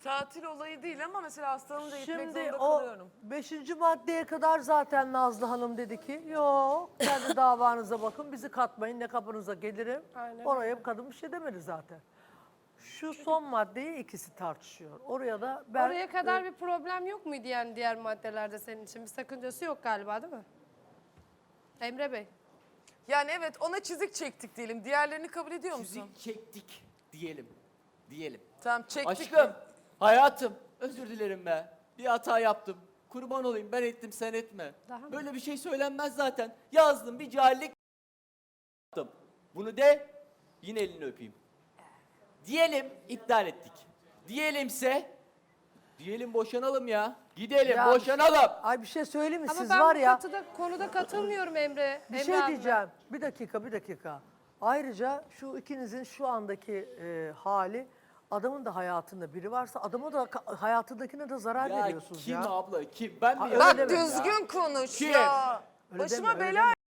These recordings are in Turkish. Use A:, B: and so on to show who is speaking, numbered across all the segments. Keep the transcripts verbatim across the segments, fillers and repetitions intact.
A: tatil olayı değil ama mesela hastanınca gitmek
B: Şimdi
A: zorunda
B: o
A: kalıyorum.
B: beşinci maddeye kadar zaten Nazlı Hanım dedi ki yok kendi davanıza bakın bizi katmayın ne kapınıza gelirim.
C: Aynen
B: Oraya bir kadın bir şey demedi zaten. Şu son maddeyi ikisi tartışıyor. Oraya da ben...
C: Oraya kadar bir problem yok muydu yani diğer maddelerde senin için? Bir sakıncası yok galiba değil mi? Emre Bey.
A: Yani evet ona çizik çektik diyelim. Diğerlerini kabul ediyor musun?
D: Çizik çektik diyelim. Diyelim.
A: Tamam çektik.
D: Aşkım, hayatım, özür dilerim be. Bir hata yaptım. Kurban olayım, ben ettim sen etme.
C: Daha mı?
D: Böyle bir şey söylenmez zaten. Yazdım, bir cahillik yaptım. Bunu de, yine elini öpeyim. Diyelim iptal ettik. Diyelimse, diyelim boşanalım ya. Gidelim,
B: Ya,
D: boşanalım.
B: Ay bir şey söyleyeyim mi?
C: Ama
B: Siz
C: ben
B: var
C: bu
B: ya
C: katıda, konuda katılmıyorum Emre.
B: bir
C: Emre
B: şey
C: abla.
B: diyeceğim. Bir dakika bir dakika. Ayrıca şu ikinizin şu andaki e, hali adamın da hayatında biri varsa adama da ka- hayatındakine de zarar
D: Ya
B: veriyorsunuz
D: kim
B: ya.
D: abla, kim? Ben mi
B: Ha, öyle
D: yapıyorum
A: Bak
B: deme
D: ya?
A: düzgün konuş
D: Kim?
A: ya.
B: Öyle
A: Başıma
B: deme, öyle
A: bela.
B: deme.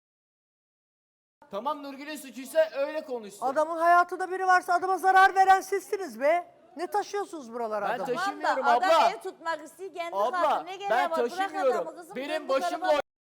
D: Tamam Nurgül'ün suçuysa öyle konuşsun.
B: Adamın hayatında biri varsa adama zarar veren sizsiniz be. Ne taşıyorsunuz buralara
D: Ben
B: adam?
D: taşı-
E: Tamam da
D: Taşımıyorum
E: adam
D: abla.
E: ev tutmak istiyor kendi
D: Abla,
E: kalkın. Ne gereği
D: ben
E: var? Bırak
D: taşımıyorum.
E: adamı kızım.
D: Benim
E: dön bu
D: başımla
E: tarafa.
D: oyn-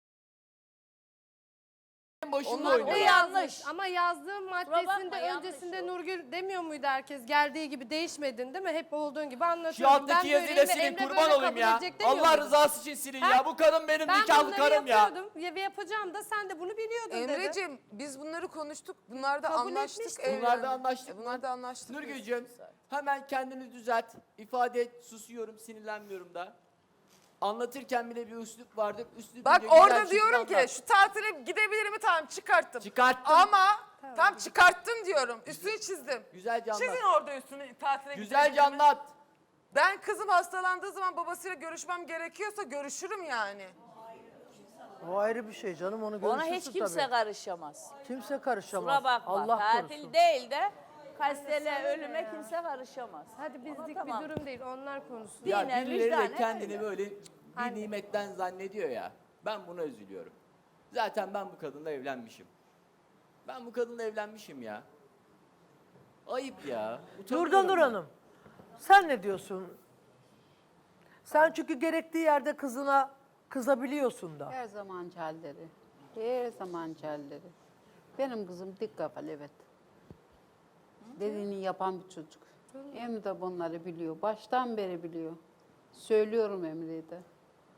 D: Benim başımla
A: Onlar
C: O
E: Bu
D: oynuyor.
C: yanlış.
E: yanlış.
C: Ama yazdığım
E: bakma,
C: maddesinde
E: yanlış
C: öncesinde
E: o.
C: Nurgül demiyor muydu herkes? Geldiği gibi değişmedin değil mi? Hep olduğun gibi
D: Şu
C: anlatıyorum.
D: alttaki
C: Ben
D: yazıyla
C: böyleyim ve
D: silin,
C: Emre
D: kurban
C: böyle
D: olayım
C: kabul
D: ya.
C: edecek demiyor
D: Allah
C: muydun?
D: rızası için silin
C: Ha?
D: ya. Bu kadın benim
C: Ben
D: nikahlı
C: bunları
D: karım ya.
C: yapıyordum ya. ve yapacağım da sen de bunu biliyordun dedi.
A: Emre'cim biz bunları konuştuk. Bunlarda
C: Kabul
A: anlaştık.
C: etmiştik.
A: evlendik.
D: Bunlarda anlaştık.
A: E, bunlarda anlaştık. biz.
D: Nurgül'cüğüm hemen kendini düzelt. İfade et. Susuyorum, sinirlenmiyorum da. Anlatırken bile bir üslup vardır. Üslup
A: Bak
D: güzel
A: orada
D: şekilde
A: diyorum ki
D: anlat.
A: şu tatile gidebilir mi? Tamam çıkarttım.
D: Çıkarttım.
A: Ama tam çıkarttım diyorum. Üstünü çizdim.
D: Güzelce anlat.
A: Çizin orada üstünü tatile
D: Güzelce
A: gidebilir mi?
D: anlat.
A: Ben kızım hastalandığı zaman babasıyla görüşmem gerekiyorsa görüşürüm yani.
B: O ayrı bir şey canım onu
E: Ona
B: görüşürsün
E: hiç kimse
B: tabii.
E: karışamaz.
B: Kimse karışamaz.
E: Kusura bakma.
B: Allah
E: Tatil
B: korusun.
E: değil de kastele ölüme kimse karışamaz.
C: Hadi bizlik
E: tamam.
C: bir durum değil. Onlar konuşsun.
E: Dinen,
D: Ya birileri de
E: vicdanen
D: kendini
E: öyle.
D: böyle bir nimetten zannediyor ya. Ben buna üzülüyorum. Zaten ben bu kadınla evlenmişim. Ben bu kadınla evlenmişim ya. Ayıp ya. Utanıyorum
B: Nurdan Nur
D: ben.
B: Hanım sen ne diyorsun? Sen çünkü gerektiği yerde kızına kızabiliyorsun da.
F: Her zaman halleri. Her zaman halleri. Benim kızım dik kafalı evet. Dediğini yapan bir çocuk. Emre de bunları biliyor. Baştan beri biliyor. Söylüyorum Emre'ye de.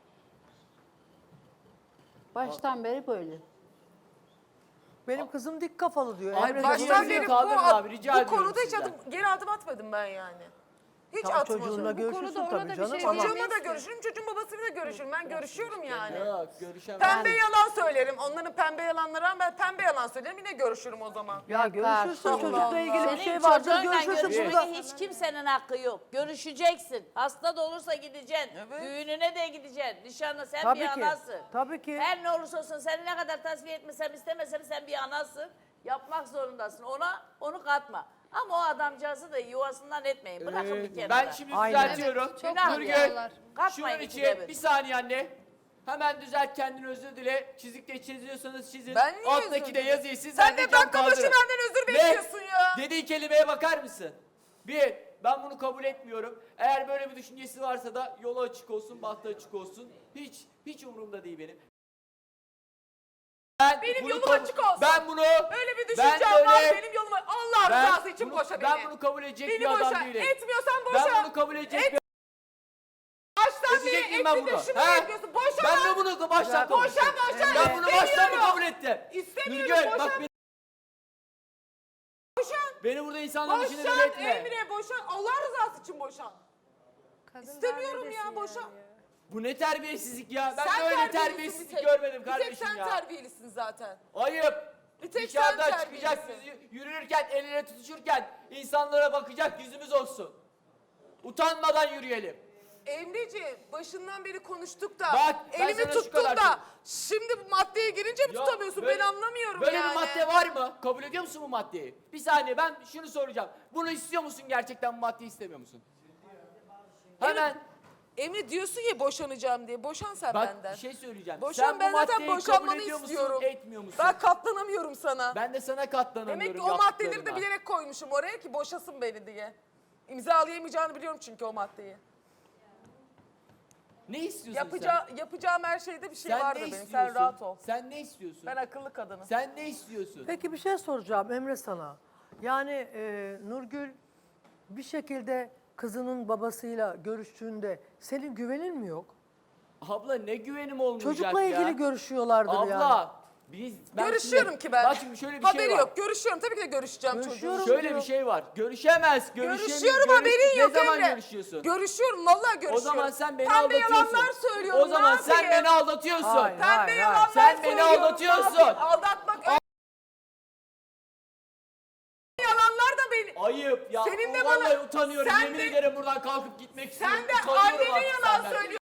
F: Baştan beri böyle.
B: Benim kızım dik kafalı diyor.
D: Ay,
B: Emre de
D: baştan
B: bunu
A: Baştan
D: Çocuğunuzu
A: beri bu,
D: kaldırın abi, rica
A: bu
D: ediyorum
A: konuda hiç
D: sizden.
A: adım, geri adım atmadım ben yani. Hiç
B: Tamam,
A: atmadım.
B: çocuğunla
C: Bu
B: görüşürsün
C: konuda ona
B: tabii
C: da bir
B: canım
C: şey
B: ama
C: diyemem.
A: Çocuğumla da görüşürüm, çocuğun babasıyla da görüşürüm. Ben görüşüyorum yani.
D: Yok görüşemem.
A: Pembe yalan söylerim. Onların pembe yalanları ama ben pembe yalan söylerim. Yine görüşürüm o zaman.
B: ya görüşürsün
F: Allah
B: çocukla
F: Allah.
B: ilgili bir
E: Senin
B: şey varsa
E: çocuğunla
B: görüşürsün
E: görüşmeye
B: burada.
E: hiç kimsenin hakkı yok. Görüşeceksin. Hasta da olursa gideceksin.
A: Evet.
E: Düğününe de gideceksin. Nişanlı sen
B: Tabii
E: bir
B: ki.
E: anasın.
B: Tabii ki.
E: Her ne olursa olsun seni ne kadar tasfiye etmesem istemesem sen bir anasın. Yapmak zorundasın. Ona onu katma. Ama o adamcağızı da yuvasından etmeyin. Bırakın
D: Ee,
E: bir kenara.
D: ben şimdi
B: Aynen.
D: düzeltiyorum.
C: Evet, çok
E: Günah
D: Nurgül,
C: yapıyorlar.
E: Katmayın
D: şunun
E: ikide
D: için
E: bir.
D: bir saniye anne. Hemen düzelt kendini özür dile. Çizikte çiziyorsanız çizin.
A: Ben niye özür
D: Alttaki de
A: dileyim?
D: yazıyı siz
A: Sen
D: ben
A: de
D: cam
A: dakika başı
D: kaldırın.
A: benden özür
D: Ne?
A: bekliyorsun ya.
D: Dediği kelimeye bakar mısın? Bir, ben bunu kabul etmiyorum. Eğer böyle bir düşüncesi varsa da yolu açık olsun, bahtı açık olsun. Hiç, hiç umurumda değil benim. Ben
A: Benim
D: bunu
A: yolum
D: kabul-
A: açık olsun.
D: Ben bunu...
A: Öyle bir
D: ben
A: düşüncem
D: böyle-
A: var benim yolum. Allah
D: ben
A: rızası için
D: bunu-
A: boşa beni.
D: Ben bunu kabul edecek
A: Beni
D: bir adam
A: boşa.
D: değilim.
A: Etmiyorsan boşa.
D: Ben bunu kabul edecek
A: Et-
D: bir
A: Baştan
D: edecek
A: beri
D: miyim ben
A: etti
D: bunu?
A: de şimdi
D: He?
A: etmiyorsun. Boşa
D: Ben
A: lan.
D: de bunu baştan kabul
A: Boşa
D: ettim.
A: boşa.
D: Ben bunu baştan mı
A: İstemiyorum.
D: kabul ettim?
A: İstemiyorum,
D: Nurgül
A: boşan.
D: bak beni,
A: Boşan.
D: beni burada insanların içinde deli
A: Boşan
D: etme.
A: Emre boşan. Allah rızası için boşan.
C: Kadın
A: İstemiyorum
C: daha
A: ya,
C: neredesin
A: boşa.
C: yani?
D: Bu ne terbiyesizlik ya? Ben
A: Sen
D: böyle
A: terbiyelisin
D: terbiyesizlik
A: bir tek.
D: görmedim
A: Bir tek
D: kardeşim
A: sen
D: ya.
A: terbiyelisin zaten.
D: Ayıp.
A: Bir tek
D: Dışarıda
A: sen
D: çıkacak,
A: terbiyelisin.
D: yüzü- yürürken, el ele tutuşurken insanlara bakacak yüzümüz olsun. Utanmadan yürüyelim.
A: Emreciğim başından beri konuştuk da
D: Bak, ben
A: elimi
D: sana şu
A: tuttun
D: kadar
A: da
D: söyleyeyim.
A: şimdi bu maddeye girince mi
D: Ya
A: tutamıyorsun
D: böyle-
A: ben anlamıyorum
D: Böyle
A: yani.
D: bir madde var mı? Kabul ediyor musun bu maddeyi? Bir saniye ben şunu soracağım. Bunu istiyor musun gerçekten, bu maddeyi istemiyor musun? Hemen
A: Emre diyorsun ya boşanacağım diye. Boşan sen
D: bak
A: benden.
D: bir şey söyleyeceğim.
A: Boşan,
D: Sen
A: ben
D: bu
A: zaten
D: maddeyi
A: boşanmanı
D: kabul ediyor
A: istiyorum.
D: musun, etmiyor musun?
A: Ben katlanamıyorum sana.
D: Ben de sana katlanamıyorum
A: Demek ki o maddeleri de
D: yaptıklarına.
A: bilerek koymuşum oraya ki boşasın beni diye. İmzalayamayacağını biliyorum çünkü o maddeyi.
D: Ne istiyorsun
A: Yapacağı, yapacağım her şeyde bir
D: sen?
A: şey
D: Sen
A: vardır
D: ne
A: benim.
D: istiyorsun?
A: Sen rahat ol.
D: Sen ne istiyorsun?
A: Ben akıllı kadınım.
D: Sen ne istiyorsun?
B: Peki bir şey soracağım Emre sana. Yani e, Nurgül bir şekilde kızının babasıyla görüştüğünde senin güvenin mi yok?
D: Abla ne güvenim olmayacak
B: Çocukla
D: ya?
B: ilgili görüşüyorlardır
D: Abla
B: yani.
D: biz ben
A: Görüşüyorum
D: şimdi-
A: ki ben.
D: Bak şimdi şöyle bir
A: Haberi
D: şey var.
A: yok. Görüşüyorum. Tabii ki de görüşeceğim
B: Görüşüyorum.
A: çocuğum.
D: Şöyle
B: diyor.
D: bir şey var. Görüşemez. Görüşemiyor.
A: Görüşüyorum
D: görüş-
A: haberin yok
D: Ne zaman
A: Emre.
D: görüşüyorsun?
A: Görüşüyorum. Vallahi görüşüyorum.
D: O zaman sen beni
A: Pembe
D: aldatıyorsun.
A: yalanlar söylüyorum.
D: O zaman
A: ne
D: sen
A: yapayım?
D: beni aldatıyorsun.
B: Hayır.
A: Pembe yalanlar
D: Sen beni
A: söylüyorum.
D: aldatıyorsun.
A: Ne yapayım? Aldatmak öyle. Yalanlar da beni.
D: Ayıp ya.
A: Senin de
D: Vallahi
A: bana-
D: utanıyorum.
A: sen
D: Yemin
A: de-
D: ederim buradan kalkıp gitmek istiyorum.
A: Sen de
D: Utanıyorum
A: annene
D: artık
A: yalan
D: senden.
A: söylüyorsun.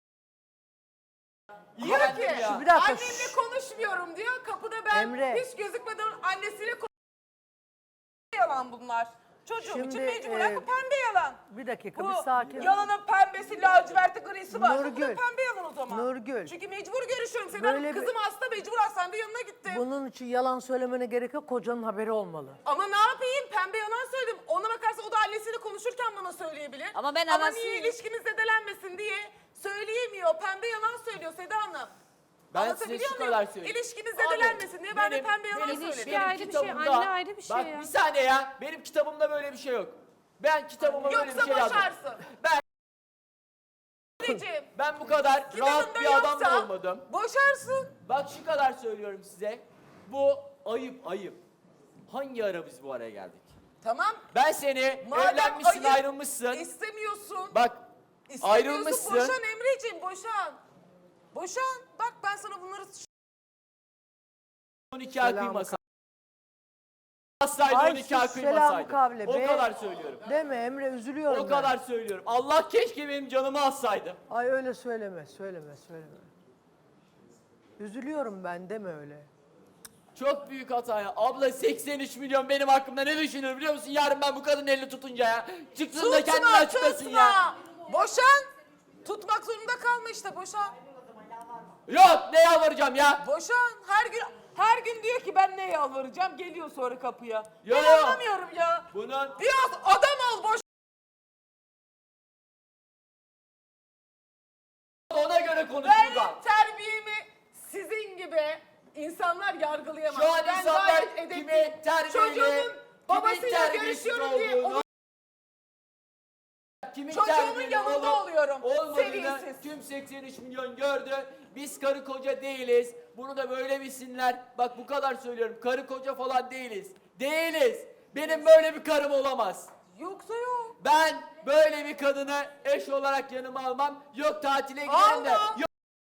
A: Diyor
D: İğrendim
A: ki
D: ya.
B: Bir dakika,
A: annemle
B: şşş.
A: konuşmuyorum diyor. Kapıda ben
B: Emre.
A: hiç gözükmeden annesiyle konuşuyorum. Yalan bunlar. Çocuğum için
B: Şimdi,
A: mecburen
B: e,
A: bu pembe yalan.
B: Bir dakika
A: Bu
B: bir sakin.
A: yalanın pembesi, laciverti, grisi var. Bu da
B: Nurgül,
A: pembe yalan o zaman.
B: Nurgül.
A: Çünkü mecbur görüşüyorum. Senin
B: Böyle bir-
A: kızım hasta, mecbur hastanede yanına gittim.
B: Bunun için yalan söylemene gerek yok. Kocanın haberi olmalı.
A: Ama ne yapayım? Pembe yalan söyledim. Ona bakarsa o da annesiyle konuşurken bana söyleyebilir.
E: Ama ben
A: Ama
E: anasıyım.
A: niye ilişkimiz zedelenmesin diye söyleyemiyor. Pembe yalan söylüyor Seda Hanım.
D: Ben size
A: Anlatabiliyor
D: şu
A: muyum?
D: kadar söyleyeyim.
A: İlişkimiz
D: Abi,
A: zedelenmesin diye ben de
D: benim-
A: pembe yalan
D: benim-
A: söyledim.
C: İlişki
D: benim
C: ayrı bir şey,
D: kitabımda-
C: anne ayrı bir şey
D: Bak
C: ya.
D: bir saniye ya. Benim kitabımda böyle bir şey yok. Ben kitabıma böyle bir
A: Yoksa
D: şey yazdım.
A: boşarsın.
D: Ben
A: Anneciğim,
D: ben bu kadar rahat
A: kitabında
D: bir adam da
A: yoksa
D: olmadım.
A: boşarsın.
D: Bak şu kadar söylüyorum size. Bu ayıp ayıp. Hangi ara biz bu araya geldik?
A: Tamam.
D: Ben seni
A: Madem
D: evlenmişsin
A: ayıp,
D: ayrılmışsın.
A: İstemiyorsun.
D: Bak
A: İstemiyorsun,
D: ayrılmışsın.
A: boşan Emreciğim, boşan. Boşan. Bak ben sana bunları...
D: on iki ay
B: Selam
D: kıymasaydı. Asaydı
B: Ay
D: on iki ay
B: sus, selamı
D: kıymasaydı.
B: kavle
D: O
B: be.
D: kadar söylüyorum.
B: Deme Emre, üzülüyorum
D: O
B: ben.
D: kadar söylüyorum. Allah keşke benim canımı alsaydı.
B: Ay öyle söyleme, söyleme, söyleme. Üzülüyorum ben, deme öyle.
D: Çok büyük hata ya. Abla seksen üç milyon benim hakkımda ne düşünür biliyor musun? Yarın ben bu kadının elini tutunca ya. Çıksın da kendini
A: Tutma,
D: açıklasın
A: tutma.
D: ya.
A: Boşan. Tutmak zorunda kalma işte, boşan.
D: Yok ne yalvaracağım ya.
A: Boşan. Her gün her gün diyor ki ben ne yalvaracağım, geliyor sonra kapıya.
D: Yo,
A: ben
D: yo.
A: anlamıyorum ya.
D: Bunun
A: Biraz adam ol, boş.
D: ona göre
A: Ben
D: konuşacağım.
A: terbiyemi sizin gibi insanlar yargılayamaz.
D: Şu an
A: ben
D: insanlar
A: gayet edepli.
D: kimin terbiyeli,
A: Çocuğumun babasıyla
D: terbiyesiz
A: görüşüyorum diye
D: olduğunu,
A: onu
D: kimin
A: çocuğumun
D: terbiyeli
A: yanında
D: olup
A: oluyorum.
D: olmadığını
A: Seviyesiz.
D: tüm seksen üç milyon gördü. Biz karı koca değiliz. Bunu da böyle bilsinler. Bak bu kadar söylüyorum. Karı koca falan değiliz. Değiliz. Benim böyle bir karım olamaz.
A: Yoksa yok.
D: Ben böyle bir kadını eş olarak yanıma almam. Yok tatile giden de.
A: Alma.
D: Yok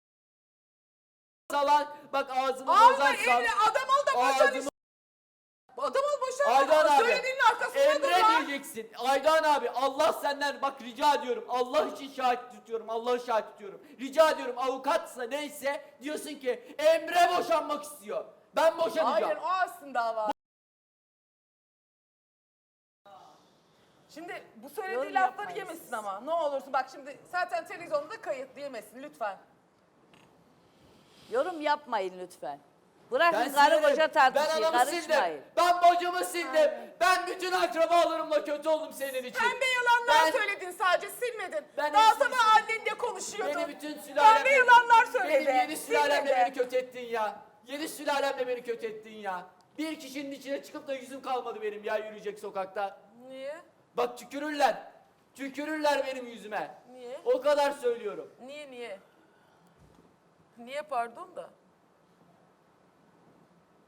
D: salan. Bak ağzını
A: Alma
D: bozarsan.
A: evli adam ol da boşan
D: Ağzımı
A: işte. Adam ol boşan.
D: Aydan abi.
A: Söylediğinin arkasında dur
D: Emre
A: lan.
D: diyeceksin. Aydan abi Allah senden bak rica ediyorum. Allah için şahit tutuyorum. Allah'ı şahit tutuyorum. Rica ediyorum avukatsa neyse diyorsun ki Emre boşanmak istiyor. Ben boşanacağım.
A: Hayır, o aslında dava. Şimdi bu söylediği
E: Yorum
A: lafları
E: yapmayın
A: yemesin
E: siz.
A: ama. Ne olursun bak şimdi zaten televizyonda da kayıtlı, yemesin lütfen.
E: Yorum yapmayın lütfen. Bırakın
D: Ben
E: karı
D: sinirim.
E: koca tartışıyı,
D: Ben anamı sildim.
E: karışmayın.
D: Ben bacımı sildim. Ben bütün akrabalarımla kötü oldum senin için.
A: Pembe yalanlar
D: Ben-
A: söyledin sadece, silmedin.
D: Ben
A: Daha
D: hepsini
A: sabah
D: sildim.
A: annenle konuşuyordun.
D: Beni bütün sülalemle...
A: Pembe yalanlar söyledi.
D: Benim yedi sülalemle
A: silmedi.
D: beni kötü ettin ya. Yedi sülalemle beni kötü ettin ya. Bir kişinin içine çıkıp da yüzüm kalmadı benim ya yürüyecek sokakta.
A: Niye?
D: Bak tükürürler. Tükürürler benim yüzüme.
A: Niye?
D: O kadar söylüyorum.
A: Niye niye? Niye pardon da?